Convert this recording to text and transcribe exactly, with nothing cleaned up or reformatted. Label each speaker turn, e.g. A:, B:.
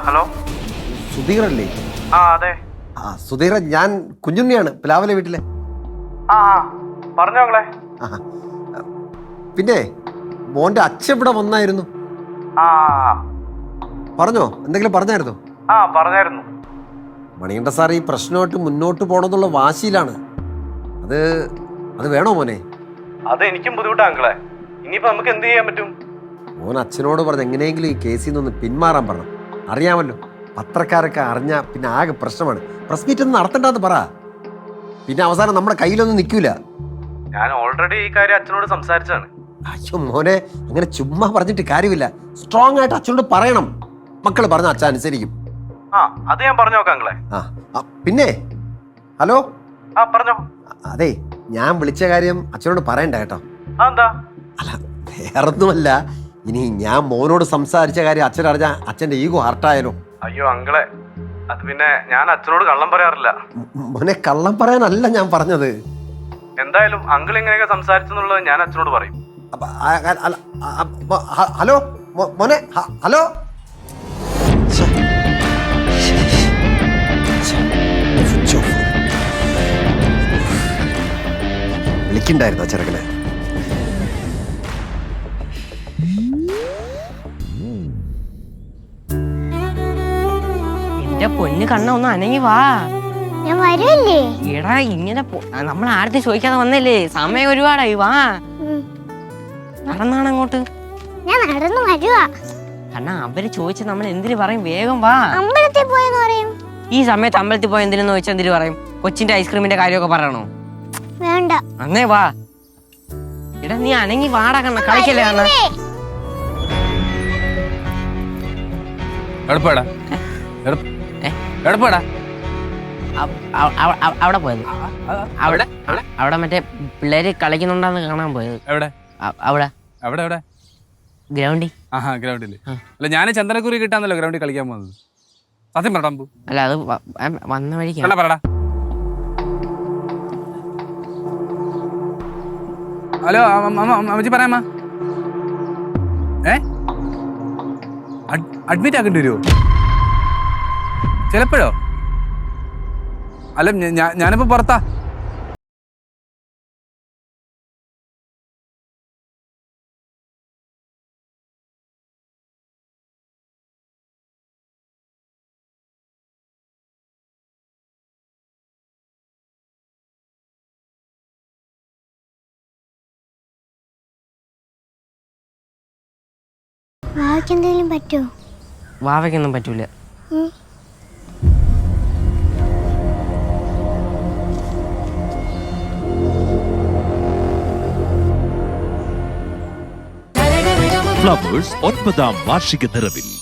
A: Hello
B: സുധീറല്ലേ?
A: ആ അതെ.
B: ആ സുധീറ, ഞാൻ കുഞ്ഞുണ്ണിയാണ്, പ്ലാവലെ വീട്ടിലെ.
A: ആ പറഞ്ഞോ മകളെ.
B: പിന്നെ മോന്റെ അച്ഛൻ ഇവിടെ വന്നായിരുന്നു.
A: ആ
B: പറഞ്ഞോ, എന്തെങ്കിലും പറഞ്ഞായിരുന്നോ?
A: ആ പറഞ്ഞായിരുന്നു.
B: മണികണ്ഠ സാർ ഈ പ്രശ്നമായിട്ട് മുന്നോട്ട് പോകണമെന്നുള്ള വാശിയിലാണ്. അത് അത് വേണോ മോനെ?
A: അത് എനിക്കും ബുദ്ധിമുട്ടാ അങ്കിളെ. ഇനിയിപ്പോ നമുക്ക് എന്ത് ചെയ്യാൻ പറ്റും?
B: മോൻ അച്ഛനോട് പറഞ്ഞ് എങ്ങനെയെങ്കിലും ഈ കേസിൽ നിന്നൊന്ന് പിന്മാറാൻ പറഞ്ഞു. അറിയാമല്ലോ, പത്രക്കാരൊക്കെ അറിഞ്ഞാൽ പിന്നെ ആകെ പ്രശ്നമാണ്. പ്രസ് മീറ്റ് ഒന്നും നടത്തണ്ടെന്ന് പറ. പിന്നെ അവസാനം നമ്മുടെ കയ്യിലൊന്നും നിൽക്കൂല.
A: ഞാൻ ഓൾറെഡി ഈ കാര്യം അച്ഛനോട് സംസാരിച്ചാണ്.
B: അയ്യോ മോനെ, അങ്ങനെ ചുമ്മാ പറഞ്ഞിട്ട് കാര്യമില്ല. സ്ട്രോങ് ആയിട്ട് അച്ഛനോട് പറയണം. മക്കൾ പറഞ്ഞ അച്ഛൻ അനുസരിക്കും.
A: ആ അത് ഞാൻ പറഞ്ഞു നോക്കാം അങ്കിളെ.
B: ആ പിന്നെ ഹലോ.
A: ആ പറഞ്ഞോ.
B: അതെ, ഞാൻ വിളിച്ച കാര്യം അച്ഛനോട് പറയണ്ട കേട്ടോ.
A: അതെന്താ?
B: അല്ല, വേറൊന്നുമല്ല. ഇനി ഞാൻ മോനോട് സംസാരിച്ച കാര്യം അച്ഛൻ അറിഞ്ഞാ അച്ഛന്റെ ഈഗോ ഹർട്ടായാലോ?
A: അയ്യോ അങ്കിളെ, അത് പിന്നെ ഞാൻ അച്ഛനോട് കള്ളം പറയാറില്ല.
B: മോനെ, കള്ളം പറയാനല്ല ഞാൻ പറഞ്ഞത്.
A: എന്തായാലും അങ്കിൾ ഇങ്ങനെയൊക്കെ സംസാരിച്ചെന്നുള്ളത് ഞാൻ അച്ഛനോട് പറയും.
B: ഹലോ മോനെ, ഹലോ. വിളിക്കണ്ടായിരുന്നോ ചെറുക്കനെ?
C: എന്റെ പൊന്ന് കണ്ണ ഒന്ന് അനങ്ങി വാ.
D: ഞാൻ വരുമല്ലേ?
C: എടാ ഇങ്ങനെ നമ്മൾ ആരത്തി ചോദിക്കാതെ വന്നല്ലേ, സമയം ഒരുപാടായി. വാ, നടന്നാണ് അങ്ങോട്ട്.
D: ഞാൻ നടന്നു വരുവാ.
C: കണ്ണ അവര് ചോദിച്ച നമ്മൾ എന്തിനു പറയും? വേഗം വാ.
D: അമ്പലത്തിൽ പോയെന്ന് പറയും.
C: ഈ സമയത്ത് അമ്പലത്തിൽ പോയി എന്തിനെന്ന് ചോദിച്ചാൽ എന്തിനു പറയും? കൊച്ചിന്റെ ഐസ്ക്രീമിന്റെ കാര്യമൊക്കെ പറയണോ?
D: വേണ്ട.
C: അന്നേ വാ. എടാ നീ അനങ്ങി വാടാ കണ്ണ, കളിക്കല്ലേ കണ്ണ. അവിടെ പോയത് അവിടെ അവിടെ മറ്റേ പിള്ളേര് കളിക്കുന്നുണ്ടാന്ന് കാണാൻ പോയത്.
E: എവിടെ?
C: അവിടെ
E: അവിടെ എവിടെ?
C: ഗ്രൗണ്ടിൽ.
E: ആഹാ, ഗ്രൗണ്ടില്. അല്ല, ഞാൻ ചന്ദനക്കുറി കിട്ടാന്നല്ലോ ഗ്രൗണ്ടിൽ കളിക്കാൻ പോകുന്നത്. സത്യം പറടാ.
C: അല്ല, അത് വന്ന വഴിക്ക്
E: പറടാ. ഹലോ അമ്മച്ചി, പറയാമ്മ. ഏ അഡ്മിറ്റ് ആക്കേണ്ടി വരുമോ? ചിലപ്പോഴോ? അല്ല, ഞാനിപ്പോ പുറത്താ.
D: വാവയ്ക്ക് എന്തെങ്കിലും പറ്റുമോ?
C: വാവയ്ക്കൊന്നും പറ്റൂല.
F: ഫ്ലവേഴ്സ് ഒൻപതാം വാർഷിക നിറവിൽ